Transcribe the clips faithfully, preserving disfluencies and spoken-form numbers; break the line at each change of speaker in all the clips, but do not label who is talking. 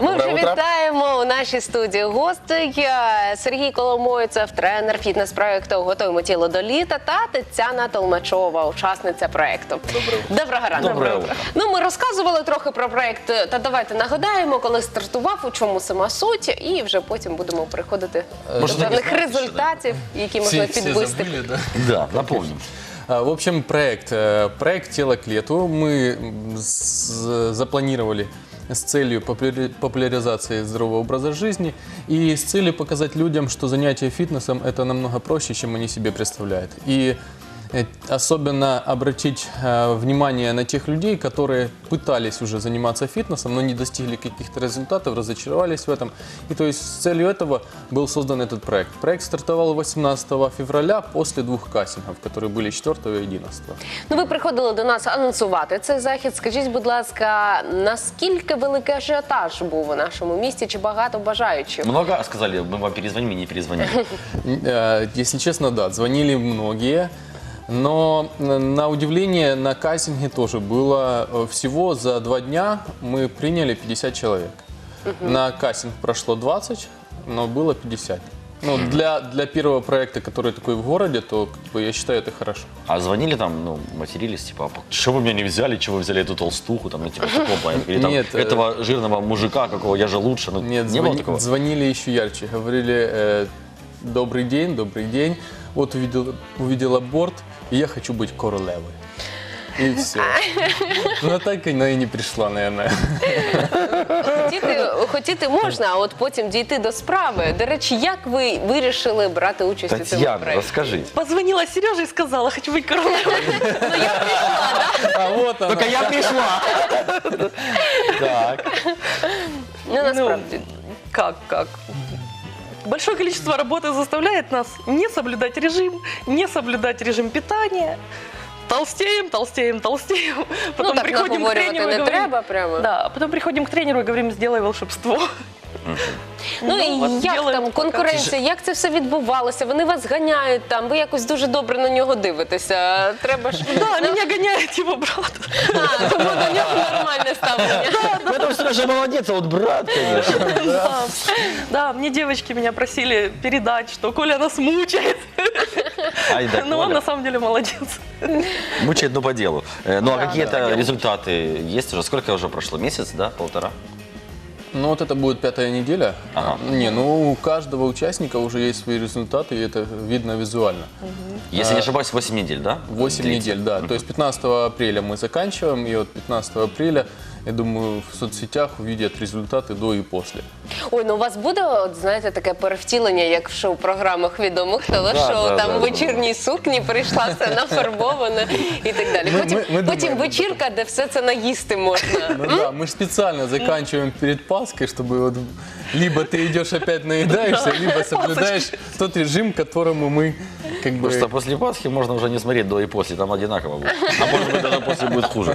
Ми вже вітаємо у нашій студії гостей. Сергій Коломойцев, тренер фітнес-проєкту «Готуємо тіло до літа» та Тетяна Толмачова, учасниця проєкту. Доброго ранку.
Доброго ранку.
Ну, ми розказували трохи про проєкт, та давайте нагадаємо, коли стартував, у чому сама суть, і вже потім будемо переходити до певних результатів, які можна підвести.
Да? Да, напомним.
В общем, проект, проект «Тело к лету» мы запланировали с целью популяризации здорового образа жизни и с целью показать людям, что занятие фитнесом – это намного проще, чем они себе представляют. И особенно обратить э, внимание на тех людей, которые пытались уже заниматься фитнесом, но не достигли каких-то результатов, разочаровались в этом. И то есть с целью этого был создан этот проект. Проект стартовал восемнадцатого февраля после двух кастингов, которые были четвёртого и одиннадцатого.
Ну, ви приходили до нас анонсувати цей захід. Скажіть, будь ласка, наскільки великий ажіотаж був у нашому місті, чи багато бажаючих?
Много сказали, мы вам перезвоним и не перезвонили.
Э, Если честно, да, звонили многие. Но, на удивление, на кастинге тоже было всего за два дня мы приняли пятьдесят человек. Uh-huh. На кастинг прошло двадцать, но было пятьдесят. Ну, для, для первого проекта, который такой в городе, то как бы, я считаю, это хорошо.
А звонили там, ну, матерились, типа, что вы меня не взяли, чего вы взяли эту толстуху, там, ну, типа, такого плана? Или там,
Нет,
этого жирного мужика, какого я же лучше, ну,
Нет,
не
звони,
было такого?
Звонили еще ярче, говорили, э, добрый день, добрый день, вот увидел, увидела борт, и я хочу быть королевой. И все. Но так она и не пришла, наверное.
Хотіти, хотіти можна, а от потім дійти до справи. До речі, як ви вирішили брати участь у цьому
Татьяна,
проєкті?
расскажи.
Позвонила Сереже и сказала, хочу быть королевой.
Ну, я прийшла, да?
А вот она.
Только я пришла. Так.
Ну, насправді.
Как, как? Большое количество работы заставляет нас не соблюдать режим, не соблюдать режим питания. Толстеем, толстеем, толстеем.
Ну,
Потом
так
приходим к
наговорювати
тренеру и
не
говорим,
треба прямо.
да, а потом приходим к тренеру и говорим, сделай волшебство.
Ну, і
от
як
делаем
там
пока.
конкуренція, як це все відбувалося? Вони вас ганяють там, ви якось дуже добре на нього дивитеся. Треба ж...
Да, меня гоняет его брат.
А, тому до нього нормальне ставлення.
Ну, это Сережа молодец, а вот брат, конечно.
Да. Да, мне девочки меня просили передать, что Коля нас мучает.
Ай, да,
Но он
Коля.
на самом деле молодец.
Мучает, но по делу. Э, Ну, а
Да,
какие-то
по делу.
результаты есть уже? Сколько уже прошло? Месяц, да? Полтора?
Ну вот это будет пятая неделя.
Ага.
Не, ну у каждого участника уже есть свои результаты, и это видно визуально.
Если не ошибаюсь, восемь недель, да?
восемь недель, да. То есть пятнадцатого апреля мы заканчиваем, и вот пятнадцатого апреля, я думаю, в соцсетях увидят результаты до и после.
Ой, ну у вас буде, от, знаєте, таке перевтілення, як в шоу-програмах відомих телешоу,
да,
там
да,
в вечірній сукні прийшла, все нафарбовано і так далі.
Ми-
Потім,
ми- ми
потім
думаємо,
вечірка, де все це наїсти можна.
Ну да, мы же специально заканчиваем перед Пасхой, чтобы вот либо ты идешь опять наедаешься, либо соблюдаешь тот режим, которому мы как бы...
Просто после Пасхи можно уже не смотреть до и после, там одинаково будет. А может быть, даже после будет хуже.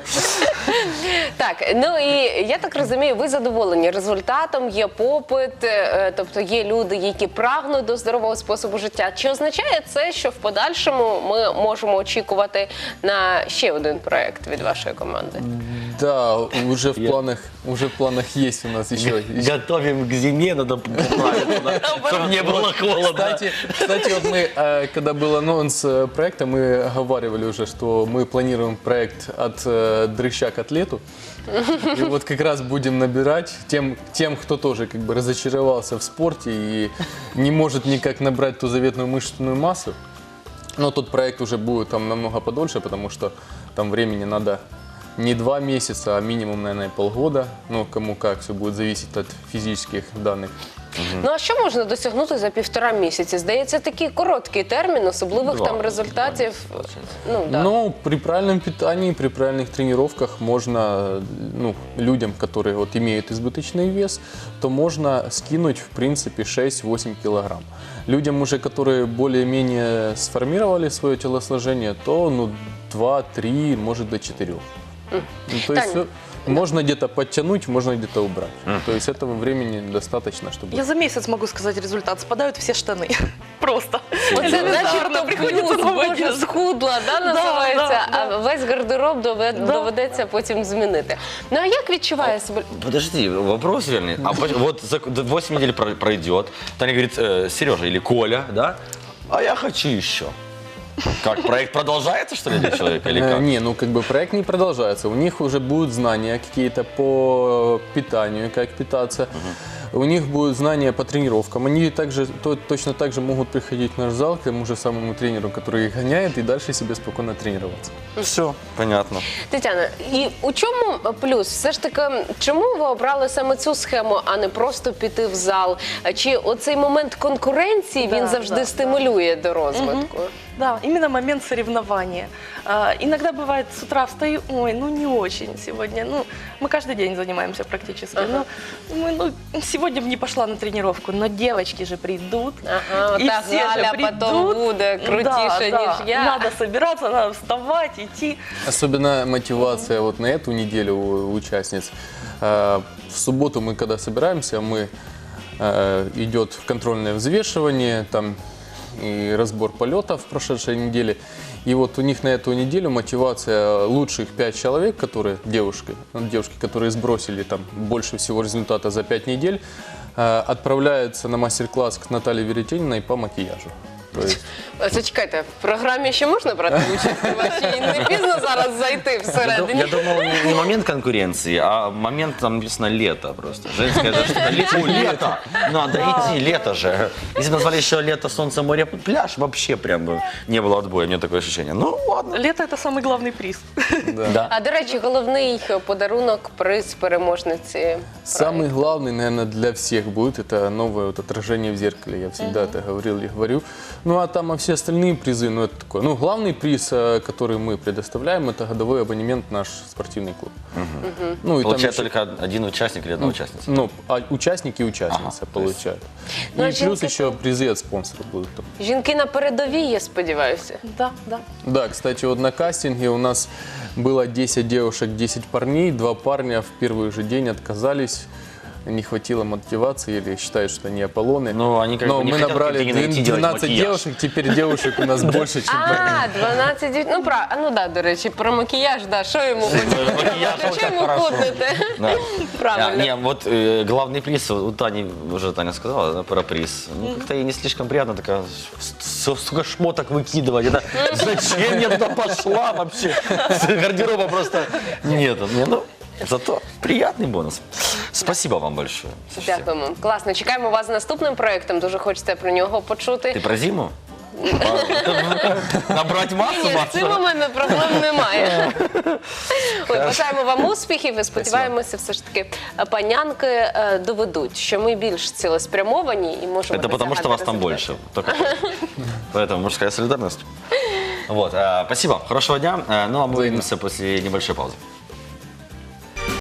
Так, ну і я так розумію, ви задоволені результатом, є попит, е, тобто є люди, які прагнуть до здорового способу життя. Чи означає це, що в подальшому ми можемо очікувати на ще один проєкт від вашої команди?
Да, уже в планах, уже в планах есть у нас еще.
Готовим к зиме, надо поправиться, чтобы не было холодно.
Кстати, кстати, вот мы, э, когда был анонс э, проекта, мы оговаривали уже, что мы планируем проект от э, дрыща к атлету. И вот как раз будем набирать тем, тем, кто тоже как бы разочаровался в спорте и не может никак набрать ту заветную мышечную массу. Но тот проект уже будет там намного подольше, потому что там времени надо не два месяца, а минимум, наверное, полгода. Ну, кому как, все будет зависеть от физических данных.
Ну а що можна досягнути за півтора місяці? Здається, такий короткий термін, особливих
Два,
там результатів. Ну, да.
Но при правильном питании, при правильных тренировках можно, ну, людям, которые вот имеют избыточный вес, то можно скинуть, в принципе, шесть-восемь килограмм. Людям уже, которые более-менее сформировали свое телосложение, то ну, два-три, может до четырех. Ну, то есть
Таня.
все, Можно где-то подтянуть, можно где-то убрать. То есть этого времени достаточно, чтобы...
Я за месяц могу сказать результат. Спадают все штаны. Просто.
Оце начебто
Элементарно. Приходится
плюс,
нову
боже,
одежду.
схудла, да, називається,
да,
а весь гардероб дове-
Да.
доведеться потім змінити. Ну а як відчуває себе?
Подожди, вопрос верный. А по- вот за восемь недель про- пройдет, Таня говорит, э, Сережа или Коля, да? А я хочу еще. Как, проект продолжается, что ли, для человека, или
Э,
как?
Не, ну как бы проект не продолжается. У них уже будут знания какие-то по питанию, как питаться. У них будут знания по тренировкам. Они также, то- точно так же могут приходить в наш зал к тому же самому тренеру, который их гоняет, и дальше себе спокойно тренироваться.
Все, понятно.
Тетяна, і у чому плюс? Все ж таки, чому ви обрали саме цю схему, а не просто піти в зал? Чи оцей момент конкуренції, він
Да,
завжди
да,
стимулює до розвитку?
Да, именно момент соревнования. А, иногда бывает с утра встаю, ой, ну не очень сегодня. Ну, мы каждый день занимаемся практически.
Ага.
Ну, мы, ну, сегодня бы не пошла на тренировку, но девочки же придут.
Ага,
и
ота
все
Галя
же
потом
придут.
буде крутіше,
Да, да.
ніж я.
Надо собираться, надо вставать, идти.
Особенно мотивация вот на эту неделю у участниц. Э, В субботу мы, когда собираемся, мы э, идет контрольное взвешивание, там и разбор полетов в прошедшей неделе. И вот у них на эту неделю мотивация лучших пять человек, которые девушки, ну, девушки, которые сбросили там больше всего результата за пять недель, э, отправляются на мастер-класс к Наталье Веретениной по макияжу. То есть
Зачекайте, в програмі ще можна брати участь у вашій? Не пізно зараз зайти
Я, ду-
всередині?
я думал, не, не момент конкуренции, а момент, там написано лето просто. Женское, да, что-то лето, лето, надо идти, лето же. Если бы назвали еще лето, солнце, море, пляж, вообще прям бы не было отбоя, у меня такое ощущение. Ну, ладно.
Лето – это самый главный приз.
Да.
А, до речі, головний подарунок, приз переможниці.
самый главный, наверное, для всех будет это новое вот отражение в зеркале. Я всегда это говорил и говорю. Ну а там а все остальные призы, ну это такое. Ну главный приз, э, который мы предоставляем, это годовой абонемент в наш спортивный клуб. Ну и там
Получает
еще-
только один участник или одна участница?
ну, а участники и участницы
Ага, то есть-
получают.
Ну, а
и плюс
женки
еще
то-
призы от спонсоров будут. там.
Жінки на передовій, я сподіваюся.
Да, да.
Да, кстати, вот на кастинге у нас было десять девушек, десять парней. Два парня в первый же день отказались. Не хватило мотивации или считают, что они Аполлоны.
Ну, они как
Но
бы не
мы
хотят
набрали
как-то найти, делать
двенадцать
макияж.
девушек, теперь девушек у нас больше, чем парней.
А, дванадцять дів- Ну, прав... а, ну да, до речі, про макіяж, да, що йому буде?
Макияж,
Що
вот так
йому
хорошо.
худнете?
Да.
Правильно.
А, не, вот э, главный приз, у Тани, уже Таня сказала, да, про приз. Ну, как-то ей не слишком приятно, такая, с- столько шмоток выкидывать. Это зачем я туда пошла вообще? Гардероба просто нет. Не, ну, зато приятный бонус. Спасибо вам большое. Слушайте,
Дякуємо. Класно. Чекаємо вас з наступним проєктом. Дуже хочеться про нього почути.
Ты про зиму? Набрать массу,
Ні, з цим у
массу?
мене проблем немає. От, бажаємо вам успіхів і сподіваємося, все ж таки панянки е, доведуть, що ми більш цілеспрямовані і можемо
Это потому, что
досягати
вас там
результатів.
больше. Только поэтому мужская солидарность. Вот, э, спасибо, хорошего дня. Э, Ну, а мы увидимся после небольшой паузы.